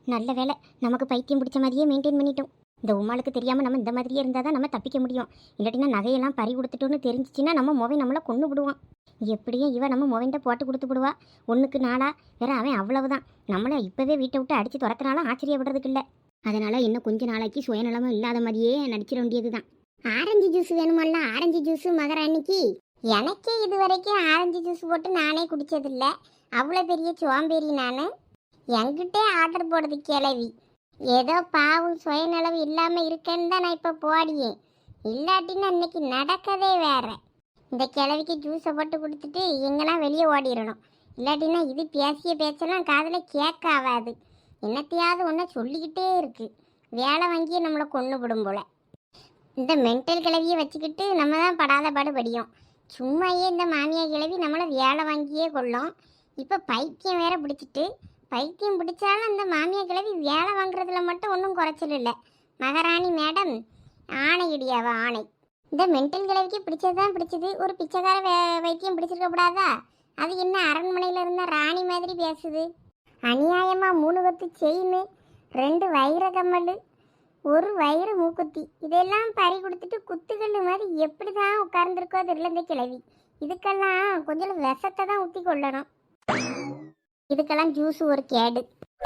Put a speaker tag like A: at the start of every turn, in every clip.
A: நல்ல வேலை, நமக்கு பைத்தியம் பிடிச்ச மாதிரியே மெயின்டைன் பண்ணிட்டோம். இந்த உமாளுக்கு தெரியாமல் நம்ம இந்த மாதிரியே இருந்தால் தான் நம்ம தப்பிக்க முடியும். இல்லாட்டினா நகையெல்லாம் பறி கொடுத்துட்டோன்னு தெரிஞ்சிச்சின்னா நம்ம மொபைல் நம்மளை கொண்டு விடுவான். எப்படியும் இவன் நம்ம மொபைல்கிட்ட போட்டு கொடுத்து விடுவா. ஒன்றுக்கு நாளா வேற அவன் அவ்வளவுதான். நம்மளை இப்போவே வீட்டை விட்டு அடித்து துரத்தினாலும் ஆச்சரியப்படுறதுக்கு இல்லை. அதனால் இன்னும் கொஞ்ச நாளைக்கு சுயநலமும் இல்லாத மாதிரியே நடிச்சிட வேண்டியது தான். ஆரஞ்சு ஜூஸ் வேணுமல்ல? ஆரஞ்சு ஜூஸ் மகாராணிக்கு. எனக்கே இது வரைக்கும் ஆரஞ்சு ஜூஸ் போட்டு நானே குடித்ததில்லை. அவ்வளோ பெரிய சோம்பேறி நான். என்கிட்டே ஆர்டர் போடுறது கிளவி. ஏதோ பாவம் சுயநலவு இல்லாமல் இருக்கேன்னு தான் நான் இப்போ போடியேன். இல்லாட்டின்னு இன்னைக்கு நடக்கதே வேற. இந்த கிளவிக்கு ஜூஸை போட்டு கொடுத்துட்டு எங்கெல்லாம் வெளியே ஓடிடணும். இல்லாட்டின்னா இது பேசிய பேச்செல்லாம் காதில் கேட்க ஆகாது. என்னத்தையாவது ஒன்றை சொல்லிக்கிட்டே இருக்குது. வேலை வாங்கியே நம்மளை கொண்டு விடும் போல. இந்த மென்டல் கிளவியை வச்சுக்கிட்டு நம்ம தான் படாத பாடு படியும். சும்மாயே இந்த மாமியார் கிளவி நம்மளை வேலை வாங்கியே கொள்ளும். இப்போ பைத்தியம் வேற பிடிச்சிட்டு, பைத்தியம் பிடிச்சாலும் அந்த மாமியார் கிளவி வேலை வாங்குறதுல மட்டும் ஒன்றும் குறைச்சல் இல்லை. மகாராணி மேடம் ஆணை இடியாவா ஆணை. இந்த மென்டல் கிளவிக்கு பிடிச்சது தான் பிடிச்சது. ஒரு பிச்சைக்கார வைத்தியம் பிடிச்சிருக்க கூடாதா? அது என்ன அரண்மனையில் இருந்த ராணி மாதிரி பேசுது. அநியாயமாக 3 கொத்து செயின், 2 வைர கம்மல், 1 வைர மூக்குத்தி, இதெல்லாம் பறி கொடுத்துட்டு குத்துக்கல் மாதிரி எப்படி தான் உட்கார்ந்துருக்கோ தெரியல இந்த கிளவி. இதுக்கெல்லாம் கொஞ்சம் விஷத்தை தான் ஊற்றி கொள்ளணும். இதுக்கெல்லாம் ஜூஸ் ஒரு கேடு.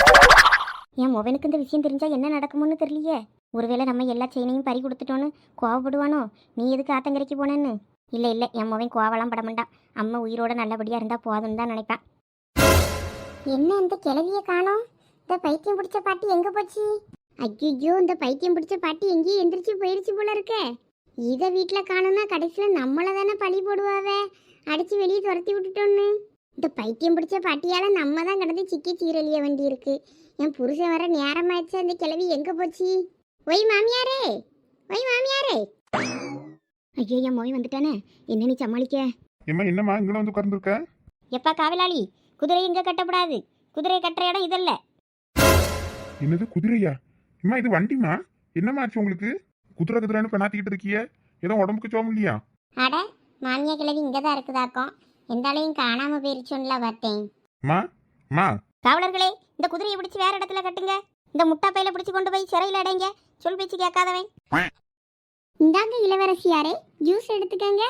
A: என் மொபைலுக்கு இந்த விஷயம் தெரிஞ்சால் என்ன நடக்குமோன்னு தெரியலையே. ஒருவேளை நம்ம எல்லா செயினையும் பறி கொடுத்துட்டோன்னு கோவப்படுவானோ? நீ எதுக்கு ஆத்தங்கரைக்கு போனேன்னு? இல்லை என் மொபைல் கோவலாம் பட மாட்டான். அம்மா உயிரோட நல்லபடியாக இருந்தால் போதும்னு தான் நினைப்பேன். என்ன இந்த கிளவியை காணோம்? இந்த பைத்தியம் பிடிச்ச பாட்டி எங்கே போச்சு? ஐயோ, இந்த பைத்தியம் பிடிச்ச பாட்டி எங்கேயும் எந்திரிச்சு போயிடுச்சு போல இருக்கே. இதை வீட்டில் காணோன்னா கடைசியில் நம்மளை தானே பழி போடுவாவே, அடித்து வெளியே துரத்தி விட்டுட்டோன்னு. இந்த பைத்தியம் பிடிச்ச பாட்டியால் நம்ம தான் கிடந்து சிக்கி சீரழிய வேண்டி இருக்கு. என் புருஷன் வர நேரமாச்சு. அந்த கிளவி எங்கே போச்சு? ஒய் மாமியாரே, ஒய் மாமியாரே. ஐயோ, என் மொய் வந்துட்டானே. என்ன நீ சமாளிக்க?
B: என்னம்மா இங்கே வந்து உட்கார்ந்துருக்க?
A: எப்பா காவலாளி, குதிரை இங்கே கட்டப்படாது. குதிரை கட்டுற இடம் இதல்ல.
B: என்னது குதிரையா? அம்மா இது வண்டிமா. என்னம்மா ஆச்சு உங்களுக்கு? குதிரைன்னு பெண்ணாத்திக்கிட்டு இருக்கிய? ஏதோ உடம்புக்கு சோம் இல்லையா?
A: அட, மாமியா கிழவி இங்கே தான் இருக்குதாக்கும். எந்தாலையும் காணாம போயிருச்சோன்ல பார்த்தேன். காவலர்களே, இந்த குதிரையை பிடிச்சி வேற இடத்துல கட்டுங்க. இந்த முட்டா பையில பிடிச்சி கொண்டு போய் சிறையில் அடைங்க. சொல் பேச்சு கேட்காதவன். இந்தாங்க இளவரசியாரே, ஜூஸ் எடுத்துக்கங்க.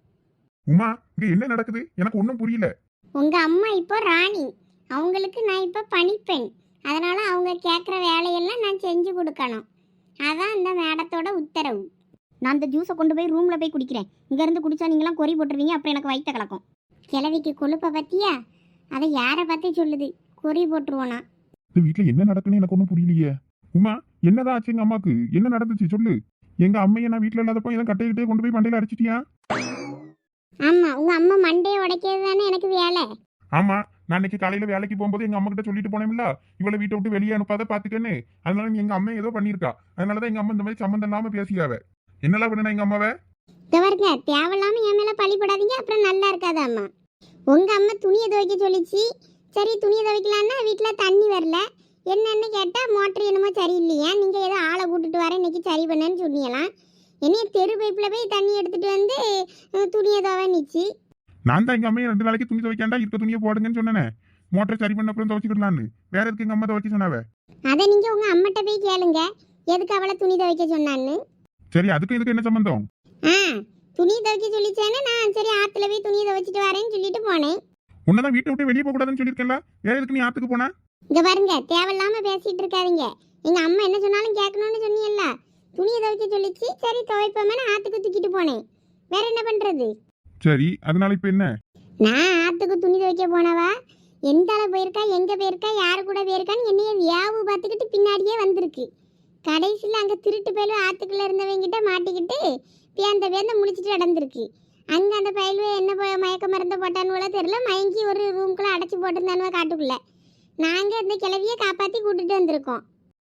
B: உமா, இங்க என்ன நடக்குது? எனக்கு ஒன்றும் புரியல.
A: உங்க அம்மா இப்போ ராணி, அவங்களுக்கு நான் இப்போ பணிப்பெண். அதனால அவங்க கேட்குற வேலையெல்லாம் நான் செஞ்சு கொடுக்கணும். அதான் இந்த மேடத்தோட உத்தரவு. நான் இந்த ஜூஸை கொண்டு போய் ரூமில் போய் குடிக்கிறேன். இங்கேருந்து குடிச்சா நீங்களாம் கொறி போட்டுருவீங்க, அப்புறம் எனக்கு வயிற்ற கலக்கும். கிழவிக்கு கொழுப்பை பற்றியா? அதை யாரை பற்றி சொல்லுது? கொறி போட்டுருவோனா?
B: இந்த வீட்டில் என்ன நடக்குன்னு எனக்கு ஒன்றும் புரியலையே. உமா, என்னதான் ஆச்சு எங்க அம்மாக்கு? என்ன நடந்துச்சு சொல்லு. எங்க அம்மையை நான் வீட்டில் இல்லாதப்போ எதை கட்டைக்கிட்டே கொண்டு போய் மண்டையில் அடிச்சிட்டியா?
A: ஆமாம், உங்கள் அம்மா மண்டையை உடைக்கிறது தானே எனக்கு வேலை.
B: ஆமா, நான் இன்னைக்கு காலையில வேலைக்கு போகும்போது எங்க அம்மா கிட்ட சொல்லிட்டு போனேன்ல, இவளை வீட்டை விட்டு வெளியே அனுப்பாத பாத்துக்கன்னு. அதனால நீ எங்க அம்மா ஏதோ பண்ணிருக்கா. அதனாலதான் எங்க அம்மா இந்த மாதிரி சம்மந்தம் இல்லாம பேசியாவ. என்னெல்லாம் பண்ணா எங்க அம்மாவை?
A: தவறுங்க, தேவையில்லாம என் மேல பழி போடாதீங்க, அப்புறம் நல்லா இருக்காது. அம்மா, உங்க அம்மா துணியை துவைக்க சொல்லிச்சு. சரி, துணியை துவைக்கலான்னா வீட்டுல தண்ணி வரல. என்னன்னு கேட்டா மோட்டர் என்னமோ சரியில்லையா, நீங்க ஏதோ ஆளை கூட்டிட்டு வரேன் இன்னைக்கு சரி பண்ணேன்னு சொன்னீங்களாம். என்னைய தெரு பைப்புல போய் தண்ணி எடுத்துட்டு வந்து துணியை துவைச்சு.
B: நான் தான் எங்க அம்மையை 2 நாளைக்கு துணி துவைக்காண்டா இருக்க துணியை போடுங்கன்னு சொன்னேன். மோட்டர் சரி பண்ண அப்புறம் துவைச்சிக்கலான்னு. வேற எதுக்கு எங்க அம்மா துவைக்க சொன்னாவ?
A: அதை நீங்க உங்க அம்மாட்ட போய் கேளுங்க, எதுக்கு அவளை துணி துவைக்க சொன்னான்னு.
B: சரி, அதுக்கும் இதுக்கு என்ன சம்பந்தம்?
A: துணி துவைக்க சொல்லிச்சேன்னு நான் சரி ஆத்துல போய் துணியை துவைச்சிட்டு வரேன்னு சொல்லிட்டு போனேன்.
B: உன்னதான் வீட்டை விட்டு வெளியே போக கூடாதுன்னு சொல்லியிருக்கேன்ல, வேற எதுக்கு நீ ஆத்துக்கு போன?
A: இங்க பாருங்க, தேவையில்லாம பேசிட்டு இருக்காதீங்க. எங்க அம்மா என்ன சொன்னாலும் கேட்கணும்னு சொன்னீங்கல்ல. துணியை துவைக்க சொல்லிச்சு, சரி துவைப்போமே ஆத்துக்கு தூக்கிட்டு போனேன். வேற என்ன பண்றது?
B: சரி, அதனால இப்ப என்ன?
A: நான் ஆத்துக்கு துணி துவைக்க போனவா எந்த அளவு போயிருக்கா, எங்க போயிருக்கா, யாரு கூட போயிருக்கான்னு என்னைய வியாவு பார்த்துக்கிட்டு பின்னாடியே வந்திருக்கு. கடைசியில் அங்கே திருட்டு பயிலும் ஆத்துக்குள்ள இருந்தவங்கிட்ட மாட்டிக்கிட்டு பேந்த முழிச்சிட்டு நடந்திருக்கு. அங்கே அந்த பயில்வே என்ன மயக்க மருந்து போட்டான்னு தெரியல, மயங்கி ஒரு ரூம்குள்ளே அடைச்சி போட்டிருந்தானுவ காட்டுக்குள்ள. நாங்கள் இந்த கிளவியை காப்பாற்றி கூட்டிட்டு வந்திருக்கோம்.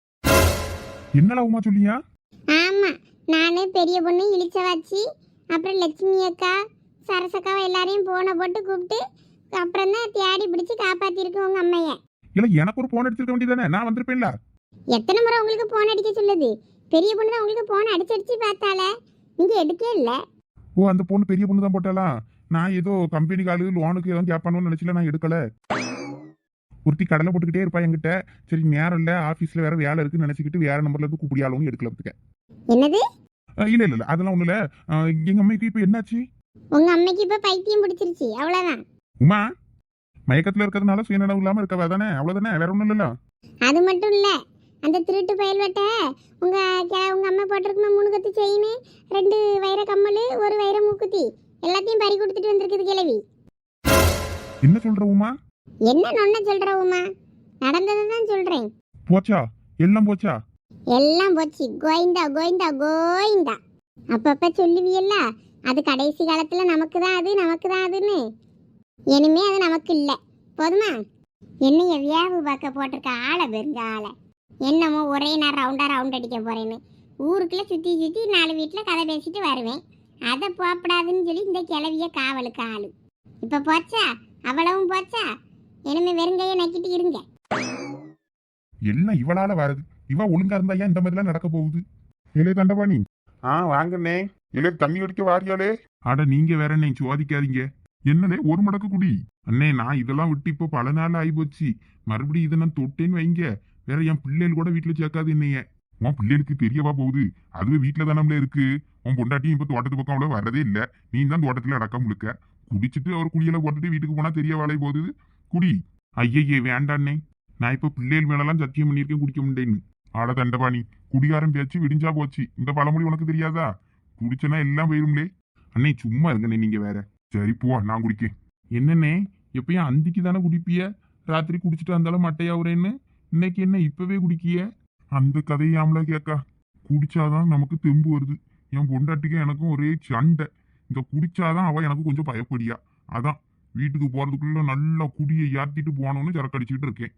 B: என்னடா உமா சொல்லியா?
A: ஆமாம், நான் பெரிய பொண்ணு இளிச்சவாச்சி, அப்புறம் லட்சுமி அக்கா, சரசக்காவை எல்லாரையும் போனை போட்டு கூப்பிட்டு அப்புறம் தான் தேடி பிடிச்சி காப்பாத்திருக்கு உங்க அம்மைய.
B: இல்ல, எனக்கு ஒரு போன் அடிச்சிருக்க வேண்டியதானே, நான் வந்திருப்பேன்ல.
A: எத்தனை முறை உங்களுக்கு போன் அடிக்க சொல்லுது? பெரிய பொண்ணு தான் உங்களுக்கு போன் அடிச்சு பார்த்தால, நீங்க எடுக்கவே இல்ல.
B: ஓ, அந்த பொண்ணு பெரிய பொண்ணு தான் போட்டாளா? நான் ஏதோ கம்பெனி காலு லோனுக்கு ஏதோ கேட்பானு நினைச்சல, நான் எடுக்கல. ஒருத்தி கடலை போட்டுக்கிட்டே இருப்பா என்கிட்ட. சரி நேரம் இல்லை, ஆஃபீஸில் வேற வேலை இருக்குன்னு நினச்சிக்கிட்டு வேற நம்பர்ல இருந்து கூப்பிடியாலும் எடுக்கல பார்த்துக்க.
A: என்னது?
B: இல்லை இல்லை இல்லை, அதெல்லாம் ஒன்றும் இல்லை. எங்கள் அம்மைக்கு இப்போ என்னாச்சு?
A: உங்க அம்மைக்கு இப்ப பைத்தியம் பிடிச்சிருச்சு, அவ்வளவுதான்.
B: உமா மயக்கத்தில் இருக்கிறதுனால சுயநலம் இல்லாமல் இருக்கவா தானே, அவ்வளோதானே, வேற ஒன்றும் இல்லைல்ல.
A: அது மட்டும் இல்ல, அந்த திருட்டு பயல்வட்ட உங்க உங்க அம்மா போட்டிருக்குமா 3 கத்து செயின், 2 வைர கம்மல், 1 வைர மூக்குத்தி, எல்லாத்தையும் பறி கொடுத்துட்டு வந்திருக்குது கிழவி.
B: என்ன சொல்ற உமா?
A: என்ன நொன்ன சொல்ற உமா? நடந்ததை தான் சொல்றேன்.
B: போச்சா? எல்லாம் போச்சா?
A: எல்லாம் போச்சு. கோயிந்தா கோயிந்தா கோயிந்தா. அப்பப்ப சொல்லுவியல்ல, அது கடைசி காலத்துல நமக்கு தான் அது, நமக்கு தான் அதுன்னு. இனிமே அது நமக்கு இல்லை, போதுமா? என்னைய வியாபு பார்க்க போட்டிருக்க ஆளை பெருங்க ஆளை. என்னமோ ஒரே நான் ரவுண்ட் அடிக்க போறேன்னு ஊருக்குள்ள சுற்றி சுற்றி 4 வீட்டில் கதை பேசிட்டு வருவேன். அதை போப்படாதுன்னு சொல்லி இந்த கிளவிய காவலுக்கு ஆளு. இப்போ போச்சா? அவ்வளவும் போச்சா? இனிமே வெறுங்கையை நக்கிட்டு இருங்க.
B: எல்லாம் இவளால வருது. இவ ஒழுங்கா இருந்தா ஏன் இந்த மாதிரிலாம் நடக்க போகுது? இளைய தண்டபாணி. வாங்கண்ணே. இளைய தண்ணி அடிக்க வாரியாலே. அட நீங்க வேற என்ன சோதிக்காதீங்க. என்னலே ஒரு மடக்கு குடி. அண்ணே நான் இதெல்லாம் விட்டு இப்போ பல நாள் ஆகி போச்சு. மறுபடியும் இதை நான் தொட்டேன்னு வைங்க, வேற என் பிள்ளைகள் கூட வீட்டுல சேர்க்காது என்னைய. உன் பிள்ளைகளுக்கு தெரியவா போகுது? அதுவே வீட்டுல தானே இருக்கு. உன் பொண்டாட்டியும் இப்ப தோட்டத்து பக்கம் அவ்வளவு வரதே இல்ல. நீ தான் தோட்டத்துல அடக்கம் முழுக்க குடிச்சிட்டு அவர் குடியில போட்டுட்டு வீட்டுக்கு போனா தெரிய வாழை போகுது. குடி. ஐயே வேண்டாண்ணே, நான் இப்ப பிள்ளைகள் மேலெல்லாம் சத்தியம் பண்ணியிருக்கேன் குடிக்க முடியேன்னு. ஆட தண்டபாணி, குடிகாரம் பேச்சு விடிஞ்சா போச்சு. இந்த பழமொழி உனக்கு தெரியாதா? குடிச்சனா எல்லாம் போயிரும்லே. அண்ணே சும்மா இருங்கண்ணே நீங்க வேற. சரி போ, நான் குடிக்கேன். என்னண்ணே எப்பயும் அந்திக்கு தானே குடிப்பிய? ராத்திரி குடிச்சிட்டு வந்தாலும் மட்டையாவுறேன்னு இன்னைக்கு என்ன இப்பவே குடிக்கிய? அந்த கதையாமல கேக்கா. குடிச்சாதான் நமக்கு தெம்பு வருது. என் பொண்டாட்டிக்கும் எனக்கும் ஒரே சண்டை. இந்த குடிச்சாதான் அவ எனக்கு கொஞ்சம் பயப்படியா. அதான் வீட்டுக்கு போறதுக்குள்ள நல்லா குடியை ஏத்திட்டு போனோன்னு சரக்கு அடிச்சுக்கிட்டு இருக்கேன்.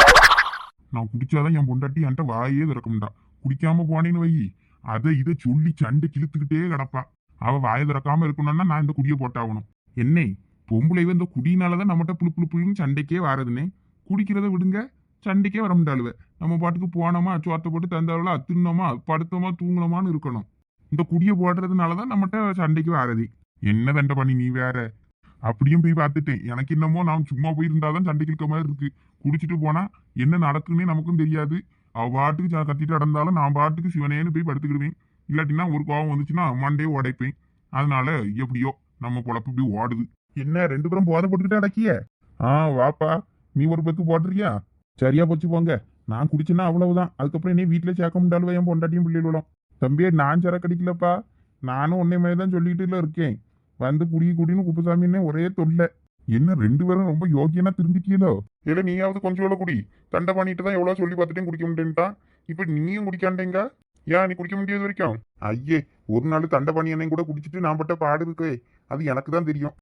B: நான் குடிச்சாதான் என் பொண்டாட்டி என்கிட்ட வாயே திறக்கும்டா. குடிக்காம போனேன்னு வை, அதை இதை சொல்லி சண்டை கிழித்துக்கிட்டே கிடப்பா. அவ வாயை திறக்காம இருக்கணும்னா நான் இந்த குடியை போட்டாகணும். என்னை பொம்பளைவே இந்த குடினாலதான் நம்மகிட்ட புழு புழுன்னு சண்டைக்கே வாரதுன்னே. குடிக்கிறத விடுங்க, சண்டைக்கே வர முடியாளுவ. நம்ம பாட்டுக்கு போனோமா, சோத்தை போட்டு தந்தாலும் அத்துனோமா, படுத்தோமா, தூங்கணுமான்னு இருக்கணும். இந்த குடியை போடுறதுனாலதான் நம்மகிட்ட சண்டைக்கு வாரது. என்ன தண்டை பண்ணி நீ வேற. அப்படியும் போய் பார்த்துட்டேன். எனக்கு என்னமோ நான் சும்மா போய் இருந்தாதான் சண்டைக்கு இருக்க மாதிரி இருக்கு. குடிச்சிட்டு போனா என்ன நடக்குன்னே நமக்கும் தெரியாது. அவ பாட்டுக்கு கத்திட்டு நடந்தாலும் நான் பாட்டுக்கு சிவனேன்னு போய் படுத்துக்கிடுவேன். இல்லாட்டினா ஒரு கோவம் வந்துச்சுன்னா மண்டே உடைப்பேன். அதனால எப்படியோ நம்ம பொழப்பு இப்படி ஓடுது. என்ன 2 பேரும் போதை போட்டுக்கிட்டே அடக்கிய? வாப்பா, நீ ஒரு பத்து போட்டுறியா? சரியா போச்சு போங்க. நான் குடிச்சேன்னா அவ்வளவுதான். அதுக்கப்புறம் என்னைய வீட்டுல சேர்க்க முடியாளுவா என் பொண்டாட்டியும் பிள்ளைகளும். தம்பியே நான் சரக்கு அடிக்கலப்பா. நானும் உன்னை மாதிரி தான் சொல்லிட்டு இருக்கேன். வந்து குடின்னு குப்புசாமின்னே ஒரே தொல்லை. என்ன 2 பேரும் ரொம்ப யோகியனா திருந்திட்டீங்களோ? இல்ல நீயாவது கொஞ்சம் குடி. தண்டை பண்ணிட்டு தான் எவ்வளவு சொல்லி பார்த்துட்டேன் குடிக்க முடியேன்ட்டான். இப்ப நீயும் குடிக்காண்டேங்க. ஏன் நீ குடிக்க முடியாது வரைக்கும்? ஐயே, ஒரு நாள் தண்டை பண்ணி என்னையும் கூட குடிச்சிட்டு நான் பட்ட பாடு இருக்கே, அது எனக்கு தான் தெரியும்.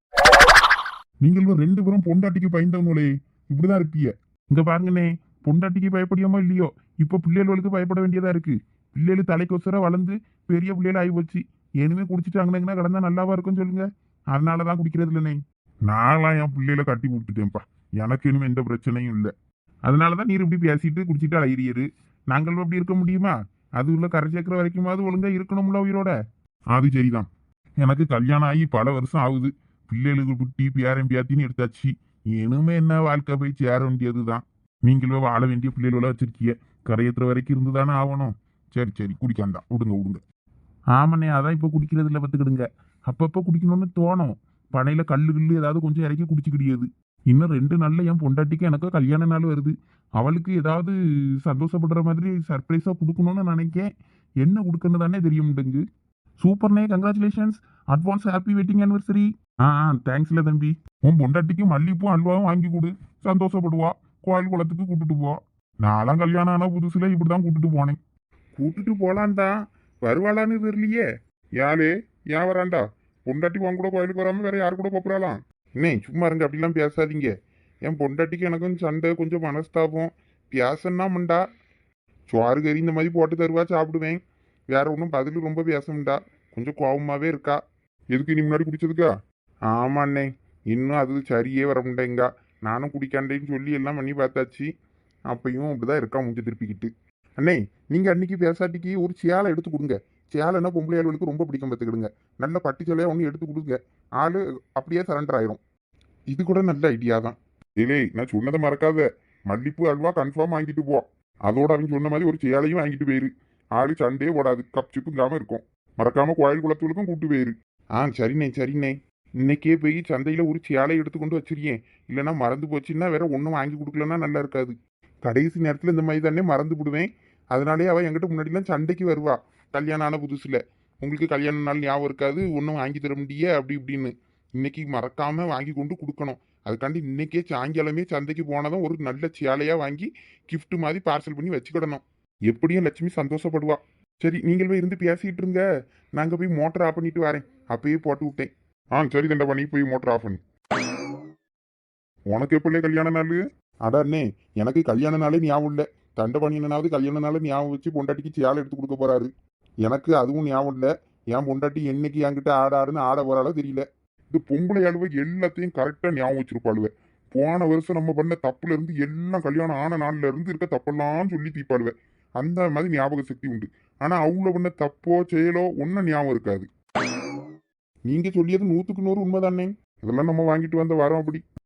B: நீங்கள் 2 பேரும் பொண்டாட்டிக்கு பயந்தவங்களே, இப்படிதான் இருப்பீங்க. இங்க பாருங்கண்ணே, பொண்டாட்டிக்கு பயப்படியாமோ இல்லையோ, இப்ப பிள்ளைகளுக்கு பயப்பட வேண்டியதா இருக்கு. பிள்ளைகள் தலைக்கொசர வளர்ந்து பெரிய பிள்ளைகள் ஆகி போச்சு. இனிமே குடிச்சிட்டு அங்கனா கிடந்தா நல்லாவா இருக்கும்னு சொல்லுங்க. அதனாலதான் குடிக்கிறது இல்லைண்ணே. நான்லாம் என் பிள்ளைகளை கட்டி விட்டுட்டேன்ப்பா. எனக்கு இனிமே எந்த பிரச்சனையும் இல்லை. அதனாலதான் நீர் இப்படி பேசிட்டு குடிச்சிட்டு அலையிறியரு. நாங்கள் அப்படி இருக்க முடியுமா? அது உள்ள கரை சேர்க்கிற வரைக்குமாவது ஒழுங்கா இருக்கணும்ல உயிரோட. அது சரிதான். எனக்கு கல்யாணம் ஆகி பல வருஷம் ஆகுது. பிள்ளைகளுக்கு புட்டி பேரன் பேத்தின்னு எடுத்தாச்சு. இனிமே என்ன வாழ்க்கை போய் சேர வேண்டியதுதான். நீங்களும் வாழ வேண்டிய பிள்ளைகள வச்சிருக்கீங்க. கரையேற்றுற வரைக்கும் இருந்துதானே ஆகணும். சரி குடிக்காண்டா, விடுங்க. ஆமாண்ணே, அதான் இப்போ குடிக்கிறது இல்லை பத்துக்கிடுங்க. அப்பப்போ குடிக்கணும்னு தோணும். பனையில கல்லு ஏதாவது கொஞ்சம் இறக்கி குடிச்சுக்கிடியது. இன்னும் 2 நாள்ல என் பொண்டாட்டிக்கு எனக்கு கல்யாண நாள் வருது. அவளுக்கு ஏதாவது சந்தோஷப்படுற மாதிரி சர்ப்ரைஸா கொடுக்கணும்னு நினைக்கேன். என்ன கொடுக்கணும் தானே தெரிய மாட்டேங்குது. சூப்பர்ண்ணே, congratulations, advance happy wedding anniversary. தேங்க்ஸ்ல தம்பி. உன் பொண்டாட்டிக்கு மல்லிப்பூ அல்வாவும் வாங்கி கொடு, சந்தோஷப்படுவா. கோயில் குளத்துக்கு கூப்பிட்டு போ. நான்லாம் கல்யாணம் ஆனா புதுசுல இப்படிதான் கூப்பிட்டு போனேன். கூப்பிட்டு போலான் தான், வருவாளான்னு தெரியலையே. யாரு ஏன் வராண்டா? பொண்டாட்டி உன் கூட கோயிலுக்கு வராம வேற யாரு கூட போறாளாம்? என்ன சும்மா இருங்க, அப்படிலாம் பேசாதீங்க. என் பொண்டாட்டிக்கு எனக்கும் சண்டை, கொஞ்சம் மனஸ்தாபம். பேசன்னா முண்டா சோறு கறி இந்த மாதிரி போட்டு தருவா, சாப்பிடுவேன். வேற ஒன்றும் பதில் ரொம்ப பேசமுண்டா. கொஞ்சம் கோபமாவே இருக்கா. எதுக்கு நீ முன்னாடி குடிச்சதுக்கா? ஆமாண்ணே, இன்னும் அது சரியே வர முடியேங்கா. நானும் குடிக்காண்டேன்னு சொல்லி எல்லாம் பண்ணி பார்த்தாச்சு. அப்பையும் அப்படிதான் இருக்கா மூஞ்சி திருப்பிக்கிட்டு. அண்ணே, நீங்க அன்னைக்கு பேசாட்டிக்கு ஒரு சேலை எடுத்து கொடுங்க. சேலைன்னா பொம்பளை ஆளுகளுக்கு ரொம்ப பிடிக்கும், பார்த்துக்கிடுங்க. நல்ல பட்டு சேலையா ஒன்று எடுத்து கொடுங்க. ஆளு அப்படியே சரண்டர் ஆயிரும். இது கூட நல்ல ஐடியா தான். இல்லை, நான் சொன்னதை மறக்காத. மல்லிப்பூ அல்வா கன்ஃபார்ம் வாங்கிட்டு போ. அதோட அவங்க சொன்ன மாதிரி ஒரு சேலையும் வாங்கிட்டு போயிரு. ஆளு சண்டையே போடாது, கப் சிப்புங்காம இருக்கும். மறக்காம கோயில் குளத்துகளுக்கும் கூட்டு போயிரு. சரிண்ணே சரிண்ணே. இன்னைக்கே போய் சந்தையில ஒரு சேலை எடுத்து கொண்டு வச்சிருக்கேன். இல்லைன்னா மறந்து போச்சுன்னா வேற ஒன்றும் வாங்கி கொடுக்கலன்னா நல்லா இருக்காது. கடைசி நேரத்தில் இந்த மாதிரி தானே மறந்து விடுவேன். அதனாலே அவள் என்கிட்ட முன்னாடிலாம் சண்டைக்கு வருவா. கல்யாணம் ஆன புதுசுல உங்களுக்கு கல்யாண நாள் ஞாபகம் இருக்காது, ஒன்றும் வாங்கி தர முடிய அப்படி இப்படின்னு. இன்னைக்கு மறக்காம வாங்கி கொண்டு கொடுக்கணும். அதுக்காண்டி இன்னைக்கே சாயங்காலமே சந்தைக்கு போனதும் ஒரு நல்ல சேலையா வாங்கி gift மாதிரி பார்சல் பண்ணி வச்சுக்கிடணும். எப்படியும் லட்சுமி சந்தோஷப்படுவா. சரி நீங்கள் போய் இருந்து பேசிட்டு இருங்க, நாங்க போய் மோட்டர் ஆஃப் பண்ணிட்டு வரேன். அப்பயே போட்டு விட்டேன். சரி தண்டா, நீ போய் மோட்டர் ஆஃப் பண்ணு. உனக்கு எப்படிலே கல்யாண நாள்? அண்ணே, எனக்கு கல்யாண நாளே ஞாபகம் இல்லை. தண்டபாணியனாவது கல்யாண நாளை ஞாபகம் வச்சு பொண்டாட்டிக்கு சேலை எடுத்து கொடுக்க போறாரு. எனக்கு அதுவும் ஞாபகம் இல்லை. என் பொண்டாட்டி என்னைக்கு என்கிட்ட ஆடாடுன்னு ஆட போறாளோ தெரியல. இந்த பொம்பளை அழுவை எல்லாத்தையும் கரெக்டா ஞாபகம் வச்சிருப்பாளுவ. போன வருஷம் நம்ம பண்ண தப்புல இருந்து எல்லாம் கல்யாணம் ஆன நாள்ல இருந்து இருக்க தப்பெல்லாம் சொல்லி தீப்பாளுவ. அந்த மாதிரி ஞாபக சக்தி உண்டு. ஆனா அவங்கள பண்ண தப்போ செயலோ ஒன்னும் ஞாபகம் இருக்காது. நீங்க சொல்லியது 100க்கு 100 உண்மைதானே. இதெல்லாம் நம்ம வாங்கிட்டு வந்த வரோம் அப்படி.